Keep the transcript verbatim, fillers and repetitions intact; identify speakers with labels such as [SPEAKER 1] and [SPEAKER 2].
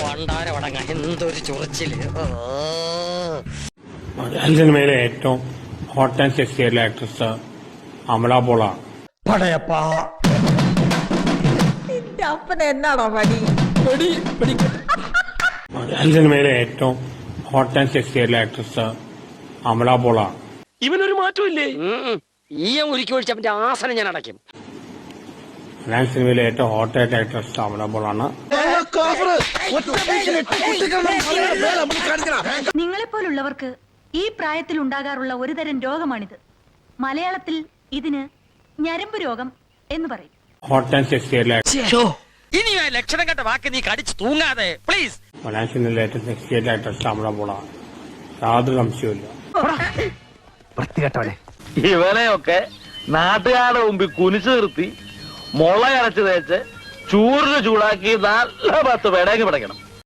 [SPEAKER 1] എന്തൊരു ചൊറിച്ചില്.
[SPEAKER 2] മലയാള സിനിമയിലെ ഏറ്റവും ഹോട്ട് ആൻഡ് സെക്സി ആയിട്ടുള്ള ആക്ട്രസ് അമല പോളാണ്.
[SPEAKER 3] എന്നാണോ പടി
[SPEAKER 2] മലയാള സിനിമയിലെ ഏറ്റവും ഹോട്ട് ആൻഡ് സെക്സി ആയിട്ടുള്ള ആക്ട്രസ് അമല പോളാണ്.
[SPEAKER 1] ഇവനൊരു മാറ്റമില്ലേ? ഈ ഉരുക്കി ഒഴിച്ച അവന്റെ ആസനം ഞാൻ അടയ്ക്കും.
[SPEAKER 2] മലയാള സിനിമയിലെ ഏറ്റവും ഹോട്ട് ആയിട്ട് ആക്ട്രസ് അമല പോളാണ്.
[SPEAKER 4] നിങ്ങളെപ്പോലുള്ളവർക്ക് ഈ പ്രായത്തിൽ ഉണ്ടാകാറുള്ള ഒരുതരം രോഗമാണിത്. മലയാളത്തിൽ ഇതിന് ഞരമ്പ് രോഗം എന്ന് പറയും.
[SPEAKER 2] ഹോട്ട് ആൻഡ് സെക്സി ആയിട്ടുള്ള
[SPEAKER 1] ഇനി ആ ലക്ഷണം കണ്ട വാക്ക് നീ കടിച്ചു തൂങ്ങാതെ പ്ലീസ്.
[SPEAKER 2] മലയാള സിനിമയിലെ ഏറ്റവും സെക്സി ആയിട്ട് ആക്ട്രസ് അമല പോളാണ്. യാതൊരു സംശയമില്ല.
[SPEAKER 5] ഇവനെയൊക്കെ നാട്ടുകാരുടെ മുമ്പിൽ കുനിച്ചു നിർത്തി മുള അരച്ച് തേച്ച് ചൂറിന് ചൂടാക്കി നല്ല പത്ത് പേടേക്ക് പിടയ്ക്കണം.